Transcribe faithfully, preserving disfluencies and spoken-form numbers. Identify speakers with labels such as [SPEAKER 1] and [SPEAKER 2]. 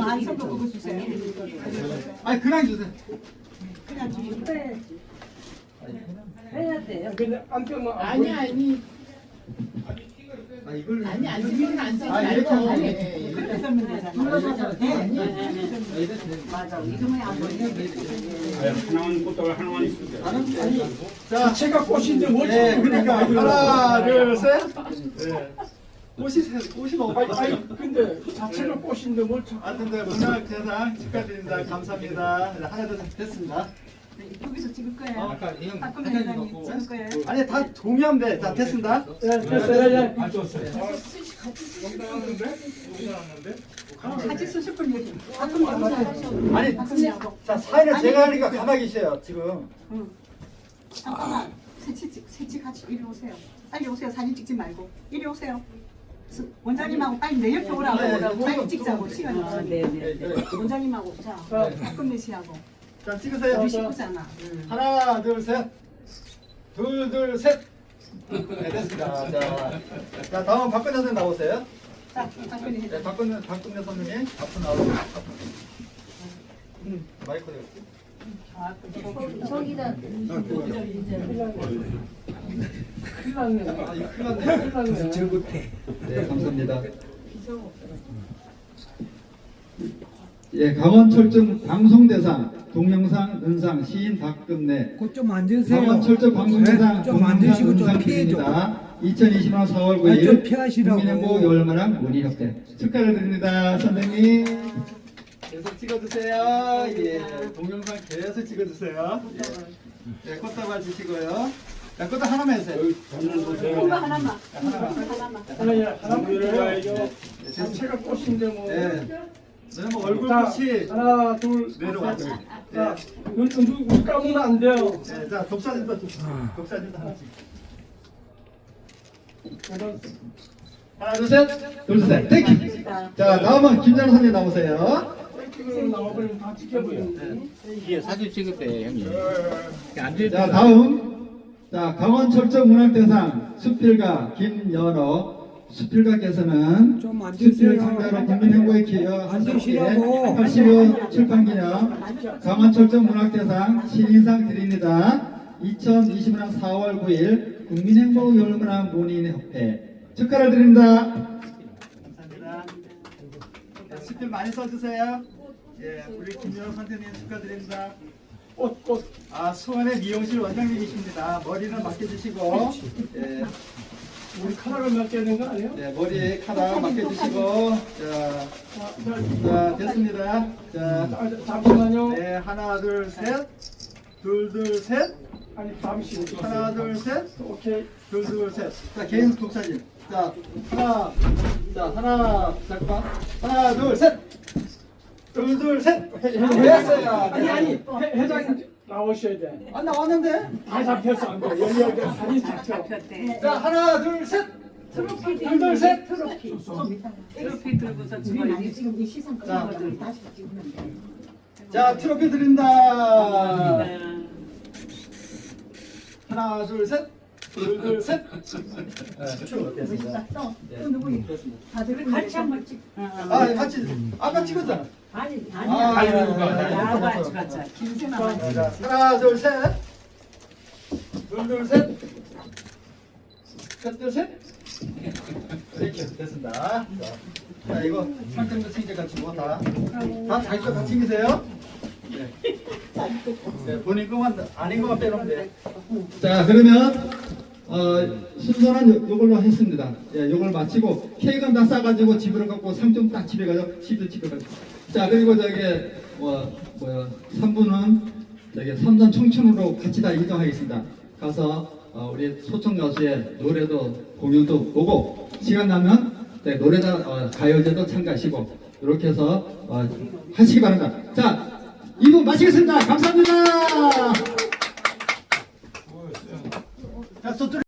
[SPEAKER 1] 안성도 그거 주세요.
[SPEAKER 2] 아니 그냥 주세요.
[SPEAKER 1] 그냥 주세요.
[SPEAKER 3] 해야 돼요.
[SPEAKER 4] 근데 안 펴면 안
[SPEAKER 3] 아니 아니
[SPEAKER 2] 아 이걸
[SPEAKER 3] 아니 안 쓰면 안 쓰지
[SPEAKER 2] 아 이렇게
[SPEAKER 3] 말고.
[SPEAKER 2] 하면
[SPEAKER 3] 네.
[SPEAKER 1] 그렇게 쓰면 되잖아.
[SPEAKER 3] 눌러서
[SPEAKER 1] 네.
[SPEAKER 3] 네.
[SPEAKER 1] 맞아. 이름이 안 보이네.
[SPEAKER 5] 하나만 꽃다발 하나만 있으면
[SPEAKER 2] 자,
[SPEAKER 4] 제가 꽃인데 뭘
[SPEAKER 2] 네,
[SPEAKER 4] 자꾸
[SPEAKER 2] 그러니까
[SPEAKER 4] 그러니까
[SPEAKER 2] 하나, 둘, 셋. 네. 꽃이 세- 꽃이 너무
[SPEAKER 4] 아니,
[SPEAKER 2] 많아요.
[SPEAKER 4] 아니 근데 자체가 꽃인데 뭘 자꾸
[SPEAKER 2] 하여튼 네, 문화대상 축하드립니다. 감사합니다. 네, 하나 둘 셋 됐습니다.
[SPEAKER 1] 여기서 찍을 거예요.
[SPEAKER 2] 아까 이형
[SPEAKER 1] 박근혜
[SPEAKER 2] 한장이
[SPEAKER 1] 회장님
[SPEAKER 2] 갖고.
[SPEAKER 1] 찍을 거예요.
[SPEAKER 2] 아니 다 동의하면 돼. 자 됐습니다.
[SPEAKER 4] 네, 됐어요. 예.
[SPEAKER 5] 안 줬어요.
[SPEAKER 1] 같이 쓰실 분 여기. 박근혜
[SPEAKER 2] 아니
[SPEAKER 1] 박근혜하고.
[SPEAKER 2] 자 사인을 제가 하니까 가만히 계세요 지금.
[SPEAKER 1] 응. 잠깐만. 세치 찍- 세치 같이 이리 오세요. 빨리 오세요. 사진 찍지 말고 이리 오세요. 스- 원장님하고 빨리 내 옆에 오라고
[SPEAKER 2] 네,
[SPEAKER 1] 오라고
[SPEAKER 2] 네.
[SPEAKER 1] 빨리 찍자고 시간이 없어.
[SPEAKER 2] 네, 네.
[SPEAKER 1] 원장님하고 자 박근혜 씨하고
[SPEAKER 2] 자 찍으세요.
[SPEAKER 1] 우리 식구잖아.
[SPEAKER 2] 하나 둘 셋. 둘 둘 셋. 네 됐습니다. 자, 자 다음 박근혜 선생님 나오세요.
[SPEAKER 1] 자 박근혜
[SPEAKER 2] 네,
[SPEAKER 1] 회장.
[SPEAKER 2] 박근혜 박근혜 선생님 앞으로 나오세요. 앞으로. 음, 마이크 어디 갔지?
[SPEAKER 3] 저기다
[SPEAKER 4] 큰일 났네.
[SPEAKER 2] 아 이거 큰일 났네.
[SPEAKER 4] 큰일 났네.
[SPEAKER 2] 네, 감사합니다. 예, 강원철중 방송대상 동영상 은상 시인 박금래
[SPEAKER 6] 그좀 앉으세요.
[SPEAKER 2] 강원철중 방송대상
[SPEAKER 6] 네, 좀
[SPEAKER 2] 동영상
[SPEAKER 6] 앉으시고 좀
[SPEAKER 2] 은상
[SPEAKER 6] 피해 좀.
[SPEAKER 2] 드립니다. 이천이십 년 사월
[SPEAKER 6] 아니,
[SPEAKER 2] 구일
[SPEAKER 6] 좀 피하시라고.
[SPEAKER 2] 국민행복 열마랑 문의협회 축하를 드립니다. 선생님 계속 찍어주세요. 예, 동영상 계속 찍어주세요. 예, 네, 꽃다발 주시고요. 자, 꽃다발 하나만 해주세요.
[SPEAKER 1] 이거 하나만. 하나만.
[SPEAKER 4] 하나, 예, 하나
[SPEAKER 5] 물을 봐야죠.
[SPEAKER 4] 네, 자체가 꽃인데 뭐.
[SPEAKER 2] 네. 네, 뭐 얼굴
[SPEAKER 4] 자,
[SPEAKER 2] 꽃이
[SPEAKER 4] 하나, 둘,
[SPEAKER 2] 내려와요.
[SPEAKER 4] 셋.
[SPEAKER 2] 네.
[SPEAKER 4] 자, 눈, 눈, 눈 감으면 안 돼요.
[SPEAKER 2] 네, 자, 독사진도 독사진도 하나씩. 하나, 둘, 셋, 둘, 셋, 땡큐. 자, 다음은 김장호 선생님 나오세요.
[SPEAKER 4] 지금 나와버리면 다 지켜버리는데.
[SPEAKER 5] 이게 사진 찍을 때 형님.
[SPEAKER 2] 자, 다음, 자, 강원철저문학대상 수필가 김연어 수필가께서는
[SPEAKER 6] 좀
[SPEAKER 2] 수필
[SPEAKER 6] 앉으세요.
[SPEAKER 2] 상자로 국민행복에 기여
[SPEAKER 6] 앉으시라고.
[SPEAKER 2] 팔십 호 출판기념 강원철저문학대상 신인상 드립니다. 이천이십 년 사월 구일 국민행복 열문학 문인협회 축하를 드립니다. 감사합니다. 네, 수필 많이 써주세요. 예, 우리 김연어 선생님 축하드립니다.
[SPEAKER 4] 꽃, 꽃.
[SPEAKER 2] 아, 수원의 미용실 원장님이십니다. 머리는 맡겨주시고, 예,
[SPEAKER 4] 우리 카라를 맡겨야 되는 거 아니에요?
[SPEAKER 2] 네, 머리 카라 맡겨주시고, 자,
[SPEAKER 4] 자, 자,
[SPEAKER 2] 자, 됐습니다. 자,
[SPEAKER 4] 자, 잠시만요.
[SPEAKER 2] 네, 하나, 둘, 셋, 둘, 둘, 셋,
[SPEAKER 4] 아니, 잠시.
[SPEAKER 2] 하나, 둘, 셋,
[SPEAKER 4] 오케이.
[SPEAKER 2] 둘, 둘, 셋. 자, 개인 독사진. 자, 하나, 자, 하나, 잠깐만, 하나, 둘, 셋, 둘, 둘, 셋. 됐어요.
[SPEAKER 4] 아니, 아니, 회, 회장님 나오셔야 돼.
[SPEAKER 2] 안 나왔는데?
[SPEAKER 4] 다 잡혔어, 안 돼. 여기, 여기 사진 잡혀.
[SPEAKER 2] 자, 하나, 둘, 셋,
[SPEAKER 1] 트로피
[SPEAKER 2] 둘, 둘, 셋.
[SPEAKER 1] 트로피. 트로피 들고서 찍어야지. 지금 이 시상
[SPEAKER 2] 자.
[SPEAKER 1] 끝나거든. 다시 찍으면 돼.
[SPEAKER 2] 자, 트로피 드립니다. 하나, 둘, 셋. 둘, 둘, 셋. 네, 쭉 됐습니다.
[SPEAKER 1] 또,
[SPEAKER 2] 네,
[SPEAKER 1] 또 누구
[SPEAKER 2] 됐습니다.
[SPEAKER 1] 다들 같이 한번 찍.
[SPEAKER 2] 아, 같이 아까 찍었잖아.
[SPEAKER 1] 아니
[SPEAKER 2] 아,
[SPEAKER 1] 아니야.
[SPEAKER 2] 예, 예, 예.
[SPEAKER 1] 야가 찍었자. 김세나
[SPEAKER 2] 자, 하나, 둘, 셋. 둘, 둘, 셋. 셋, 둘, 셋. 이렇게 됐습니다. 자, 자, 이거 상장도 챙겨 가지고 다, 다 자기 거 다 챙기세요. 네. 네, 본인 것만 아닌 것만 빼놓으면 돼. 자, 그러면 어, 순서는 요, 요걸로 했습니다. 예, 요걸 마치고 케이크는 다 싸가지고 집으로 갖고 상점 딱 집에 가서 집도 집에 가고. 자, 그리고 저기 뭐 뭐야 삼 부는 저기 삼전 청춘으로 같이 다 이동하겠습니다. 가서 어, 우리 소청 가수의 노래도 공연도 보고 시간 나면 네, 노래다 어, 가요제도 참가하시고 이렇게 해서 어, 하시기 바랍니다. 자, 이 부 마치겠습니다. 감사합니다. 자, 저쪽.